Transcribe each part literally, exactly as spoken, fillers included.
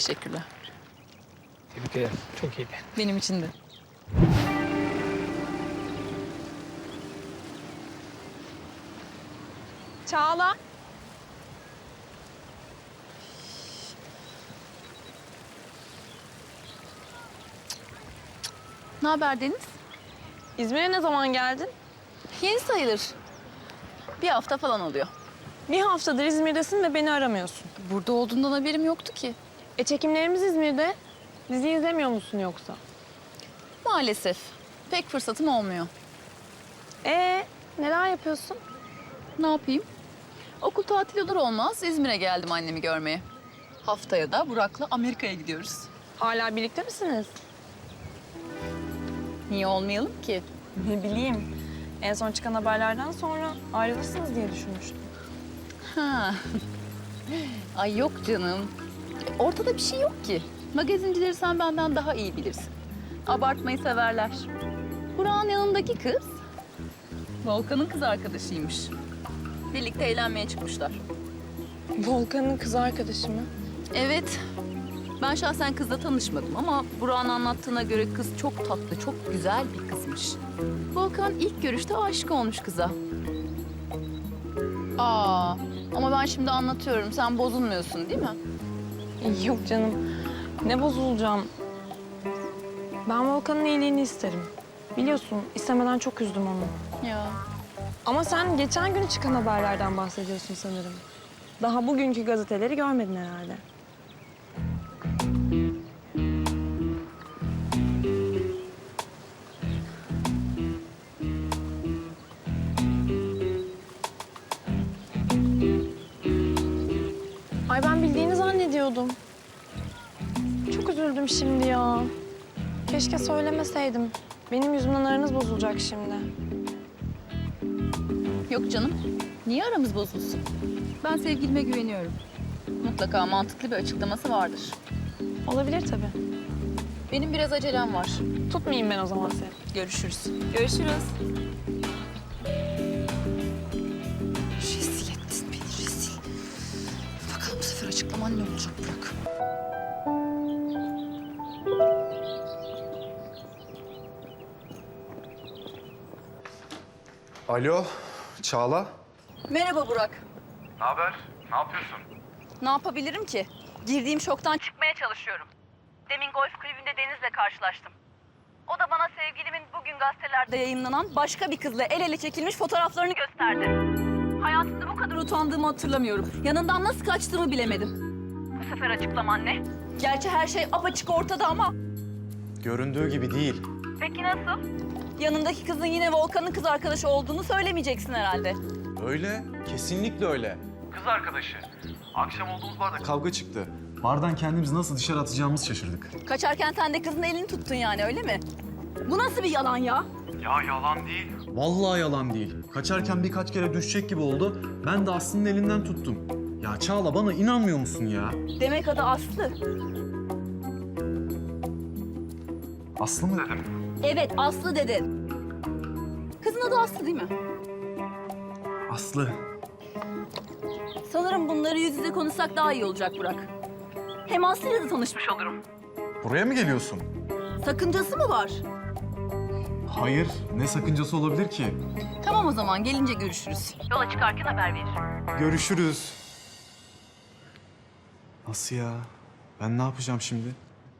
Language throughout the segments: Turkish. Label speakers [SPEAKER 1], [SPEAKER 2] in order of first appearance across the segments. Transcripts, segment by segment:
[SPEAKER 1] Teşekkürler.
[SPEAKER 2] Tebrik ederim. Çok iyiydi.
[SPEAKER 1] Benim için de.
[SPEAKER 3] Çağla.
[SPEAKER 1] Ne haber Deniz?
[SPEAKER 3] İzmir'e ne zaman geldin?
[SPEAKER 1] Yeni sayılır. Bir hafta falan oluyor.
[SPEAKER 3] Bir haftadır İzmir'desin ve beni aramıyorsun.
[SPEAKER 1] Burada olduğundan haberim yoktu ki.
[SPEAKER 3] E çekimlerimiz İzmir'de. Dizi izlemiyor musun yoksa?
[SPEAKER 1] Maalesef. Pek fırsatım olmuyor.
[SPEAKER 3] E neler yapıyorsun?
[SPEAKER 1] Ne yapayım? Okul tatili olur olmaz İzmir'e geldim annemi görmeye. Haftaya da Burak'la Amerika'ya gidiyoruz.
[SPEAKER 3] Hala birlikte misiniz?
[SPEAKER 1] Niye olmayalım ki?
[SPEAKER 3] Ne bileyim. En son çıkan haberlerden sonra ayrılırsınız diye düşünmüştüm.
[SPEAKER 1] Ha. Ay yok canım. Ortada bir şey yok ki. Magazincileri sen benden daha iyi bilirsin. Abartmayı severler. Burak'ın yanındaki kız Volkan'ın kız arkadaşıymış. Birlikte eğlenmeye çıkmışlar.
[SPEAKER 3] Volkan'ın kız arkadaşı mı?
[SPEAKER 1] Evet. Ben şahsen kızla tanışmadım ama Burak'ın anlattığına göre kız çok tatlı, çok güzel bir kızmış. Volkan ilk görüşte aşık olmuş kıza. Aa, ama ben şimdi anlatıyorum. Sen bozulmuyorsun değil mi?
[SPEAKER 3] Yok canım. Ne bozulacağım? Ben Volkan'ın iyiliğini isterim. Biliyorsun istemeden çok üzdüm onu.
[SPEAKER 1] Ya.
[SPEAKER 3] Ama sen geçen gün çıkan haberlerden bahsediyorsun sanırım. Daha bugünkü gazeteleri görmedin herhalde. Ay ben bildiğini zannediyordum. Çok üzüldüm şimdi ya. Keşke söylemeseydim. Benim yüzümden aranız bozulacak şimdi.
[SPEAKER 1] Yok canım. Niye aramız bozulsun? Ben sevgilime güveniyorum. Mutlaka mantıklı bir açıklaması vardır.
[SPEAKER 3] Olabilir tabii.
[SPEAKER 1] Benim biraz acelem var.
[SPEAKER 3] Tutmayayım ben o zaman seni.
[SPEAKER 1] Görüşürüz. Görüşürüz.
[SPEAKER 4] Rezil ettin beni, rezil. Bakalım bu sefer açıklaman ne olacak Burak?
[SPEAKER 5] Alo, Çağla.
[SPEAKER 1] Merhaba Burak.
[SPEAKER 5] Ne haber? Ne yapıyorsun?
[SPEAKER 1] Ne yapabilirim ki? Girdiğim şoktan çıkmaya çalışıyorum. Demin golf kulübünde Deniz'le karşılaştım. O da bana sevgilimin bugün gazetelerde yayınlanan başka bir kızla el ele çekilmiş fotoğraflarını gösterdi. Hayatımda bu kadar utandığımı hatırlamıyorum. Yanından nasıl kaçtığımı bilemedim. Bu sefer açıklaman ne? Gerçi her şey apaçık ortada ama...
[SPEAKER 5] Göründüğü gibi değil.
[SPEAKER 1] Peki nasıl? Yanındaki kızın yine Volkan'ın kız arkadaşı olduğunu söylemeyeceksin herhalde.
[SPEAKER 5] Öyle, kesinlikle öyle. Kız arkadaşı. Akşam olduğumuz barda kavga çıktı. Bardan kendimizi nasıl dışarı atacağımızı şaşırdık.
[SPEAKER 1] Kaçarken sen de kızın elini tuttun yani öyle mi? Bu nasıl bir yalan ya?
[SPEAKER 5] Ya yalan değil. Vallahi yalan değil. Kaçarken birkaç kere düşecek gibi oldu. Ben de Aslı'nın elinden tuttum. Ya Çağla bana inanmıyor musun ya?
[SPEAKER 1] Demek adı Aslı.
[SPEAKER 5] Aslı mı dedim?
[SPEAKER 1] Evet Aslı dedin. Kızın adı Aslı değil mi?
[SPEAKER 5] Aslı.
[SPEAKER 1] Sanırım bunları yüz yüze konuşsak daha iyi olacak Burak. Hem Aslı'yla da tanışmış olurum.
[SPEAKER 5] Buraya mı geliyorsun?
[SPEAKER 1] Sakıncası mı var?
[SPEAKER 5] Hayır, ne sakıncası olabilir ki?
[SPEAKER 1] Tamam o zaman gelince görüşürüz. Yola çıkarken haber veririm.
[SPEAKER 5] Görüşürüz. Nasıl ya? Ben ne yapacağım şimdi?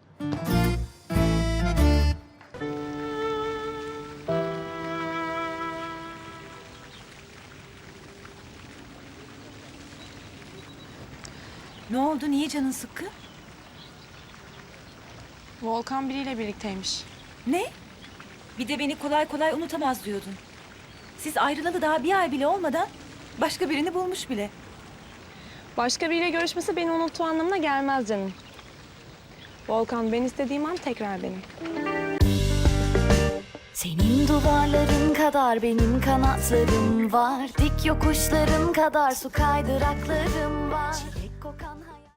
[SPEAKER 4] Ne oldu? Niye canın sıkkın?
[SPEAKER 3] Volkan biriyle birlikteymiş.
[SPEAKER 4] Ne? Bir de beni kolay kolay unutamaz diyordun. Siz ayrılalı daha bir ay bile olmadan başka birini bulmuş bile.
[SPEAKER 3] Başka biriyle görüşmesi beni unuttuğu anlamına gelmez canım. Volkan ben istediğim an tekrar benim.
[SPEAKER 6] Senin duvarların kadar benim kanatlarım var. Dik yokuşların kadar su kaydıraklarım var.